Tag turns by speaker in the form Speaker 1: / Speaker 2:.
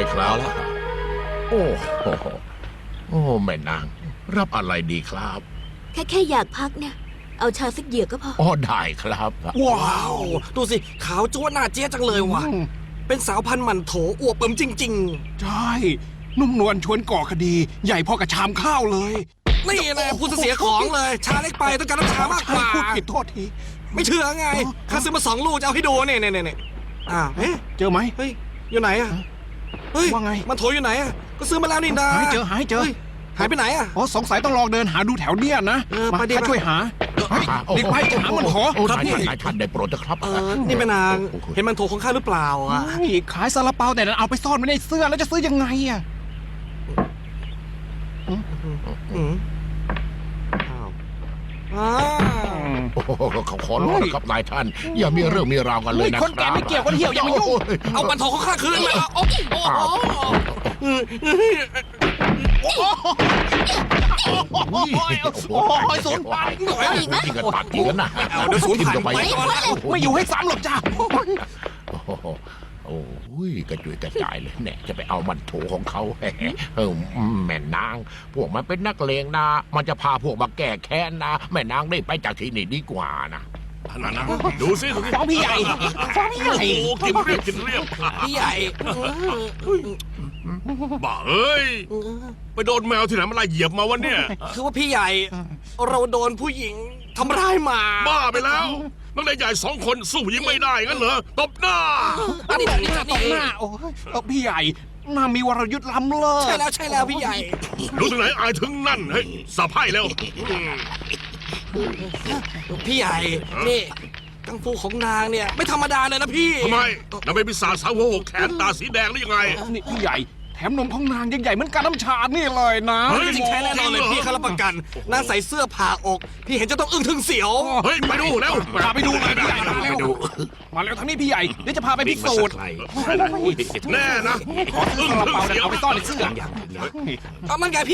Speaker 1: ครับโอ้โหโอ้แม่นาง รับอะไรดีครับ
Speaker 2: แค่อยากพักเนี่ย เอาชาสักเหยือกก็พอ
Speaker 1: อ๋อได้ครับ
Speaker 3: ว้าว ดูสิ ขาวจ้วนหน้าเจ๊จังเลยว่ะ เป็นสาวพันธุ์หมันโถอวบเปิ่มจริง
Speaker 4: ใช่นุ่มนวลชวนก่อคดี ใหญ่พอกับชามข้าวเลย
Speaker 3: ๆ นี่นะพูดเสียของเลย ชาเล็กไปต้องการน้ำชามากกว่า
Speaker 4: พูดผิดโทษที
Speaker 3: ไม่เชื่อไงข้าซื้อมา2 ลูกจะเอาให้ดูเนี่ยอ้าวเอ๊ะ
Speaker 4: เจอไหม
Speaker 3: เฮ้ย อยู่ไหนอะเฮ้ย
Speaker 4: ว่าไง
Speaker 3: มันโถอยู่ไหนอะก็ซื้อมาแล้วนี่นา
Speaker 4: หายเจอ
Speaker 3: ฮ้ยหายไปไหนอะ
Speaker 4: อ๋อสงสัยต้องลองเดินหาดูแถวเนี้ยนะ
Speaker 3: ไป
Speaker 4: มา
Speaker 3: ดิ
Speaker 4: ข้าช่วยหาเฮ้ย
Speaker 1: โอ้โห
Speaker 4: เด็กไปจะหามันโถ
Speaker 1: โอ้
Speaker 4: ครับ
Speaker 1: นาย
Speaker 4: พี่
Speaker 1: ท่านได้โปรดนะครับ
Speaker 3: นี่แม่นาง เห็นมันโถของข้าหรือเปล่าอะ
Speaker 4: เฮ้ยขายซาลาเปาแต่นั้นเอาไปซ่อนไว้ในเสื้อแล้วจะซื้อยังไงอ่ะ
Speaker 3: อืมอ้าว
Speaker 1: โอ้โหเขาขอร้องนะครับนายท่าน อย่ามีเรื่องมีราวกันเลยนะ
Speaker 4: คนแก่ไม่เกี่ยวคนเหี่ยวอย่ามายุ่ง
Speaker 3: เอามันโถของข้าคืนมาโอ้โห
Speaker 4: โอ้ยศูนย์พัน
Speaker 2: เอาอีกไหม
Speaker 1: จริงกันปากจริงกันนะ
Speaker 3: เอาเดี๋ยวศูนย์พัน
Speaker 1: ทิ่มเข้า
Speaker 3: ไปก่อนแล้ว
Speaker 4: ไม่อยู่ให้ซ้ำหรอกจ้า
Speaker 1: โอ้โหโอ้ยกระจุยกระจายเลยเนี่ยจะไปเอามันโถของเขาแม่นาง พวกมันเป็นนักเลงนะ มันจะพาพวกมาแก้แค้นนะแม่นางได้ไปจากที่นี่ดีกว่านะ
Speaker 5: นั่นนะดูสิ
Speaker 4: ฟ้องพี่ใหญ่ฟ้องพี่ใหญ่
Speaker 5: โอ้กินเรียบกินเรียบ
Speaker 3: พี่ใหญ่
Speaker 5: บ้าเอ้ยไปโดนแมวที่ไหนมาไล่เหยียบมาวันเนี่ย
Speaker 3: คือว่าพี่ใหญ่ เราโดนผู้หญิงทำร้ายมา
Speaker 5: บ้าไปแล้วนักเรียนใหญ่2 คนสู้ผู้หญิงไม่ได้งั้นเหรอตบหน้า
Speaker 3: อันนี้
Speaker 4: ตบหน้าโอ้ยพี่ใหญ่น่ามีวรยุทธ์ล้ำเลิศ
Speaker 3: ใช่แล้วพี่ใหญ่
Speaker 5: รู้ถึงไหนอายถึงนั่นเฮ้ยสับให้แล้ว
Speaker 3: พี่ใหญ่ นี่กังฟูของนางเนี่ยไม่ธรรมดาเลยนะพี่
Speaker 5: ทำไมนางเป็นปีศาจสาวหัวแขนตาสีแดงหรือยังไง
Speaker 4: นี่พี่ใหญ่แถมนมของนางยังใหญ่เหมือนการน้ำชานี่เลยนะ
Speaker 5: เฮ้ย
Speaker 3: จริงแท้แน่นอนเลยพี่เขารับประกันนางใส่เสื้อผ่าอก พี่เห็นจะต้องอึ้งถึงเสียว
Speaker 5: เฮ้ยไปดูแล้ว
Speaker 4: พาไปดูเลยพี่ใหญ่มาเร็วมาเร็วทางนี้พี่ใหญ่เดี๋ยวจะพาไปพิสูจน์
Speaker 5: แน่นะ
Speaker 4: ขอซื้อซาลาเปาเนี่ยเอาไปซ่อนในเสื้อ
Speaker 3: เอามันไงพี่